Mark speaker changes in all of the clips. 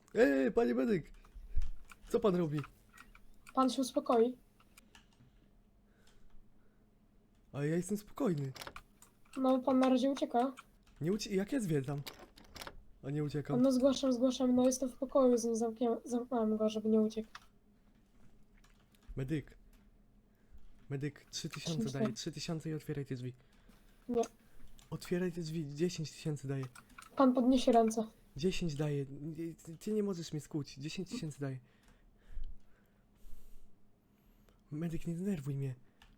Speaker 1: Panie medyk! Co pan robi?
Speaker 2: Pan się uspokoi.
Speaker 1: A ja jestem spokojny.
Speaker 2: No, pan na razie ucieka.
Speaker 1: Jak ja zwiedzam? A nie uciekam.
Speaker 2: No, zgłaszam, no jestem w pokoju, zamknąłem go, żeby nie uciekł.
Speaker 1: Medyk. Medyk, 3000 daje. 3000 i otwieraj te drzwi.
Speaker 2: Nie.
Speaker 1: Otwieraj te drzwi, 10 tysięcy daje.
Speaker 2: Pan podniesie ręce.
Speaker 1: 10 daje. Ty nie możesz mnie skłuć. 10 tysięcy daje. Medyk, nie denerwuj mnie.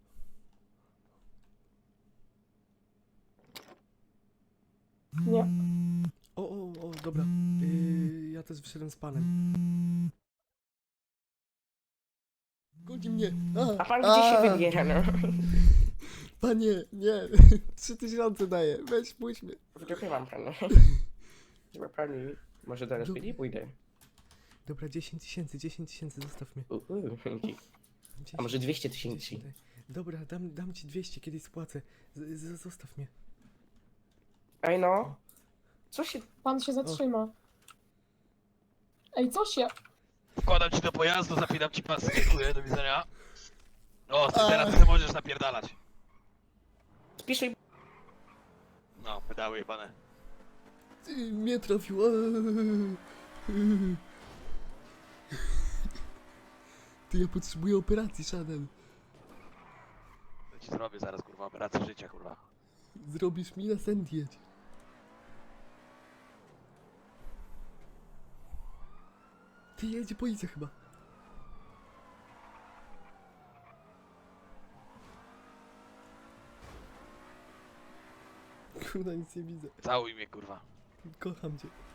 Speaker 2: Nie.
Speaker 1: O, dobra. Ja też wyszedłem z panem. Goni mnie!
Speaker 3: A pan gdzie się wybiera, no?
Speaker 1: Panie, nie. 3000 daje. Weź, puść mnie.
Speaker 3: Wyciągnęłam pana. Chyba pani, może do
Speaker 1: Dobra.
Speaker 3: SPD pójdę.
Speaker 1: Dobra, 10 tysięcy, zostaw mnie.
Speaker 3: Dzięki.
Speaker 1: 10
Speaker 3: A może 200 tysięcy?
Speaker 1: daj. Dobra, dam ci 200, kiedyś spłacę. Zostaw mnie.
Speaker 3: Ej no, co się...
Speaker 2: Pan się zatrzyma. Ej, co się?
Speaker 4: Wkładam ci do pojazdu, zapinam ci pasy, dziękuję, do widzenia. O, ty teraz ty możesz napierdalać.
Speaker 3: Spisuj...
Speaker 4: No, pedały jebane.
Speaker 1: Mnie trafił. Ty, ja potrzebuję operacji, Chanel.
Speaker 4: To ci zrobię zaraz, kurwa, operację życia, kurwa.
Speaker 1: Zrobisz mi na sen jedź. Ty, jedzie policja chyba. Kurwa, nic nie widzę.
Speaker 4: Całuj mnie, kurwa.
Speaker 1: Kocham cię.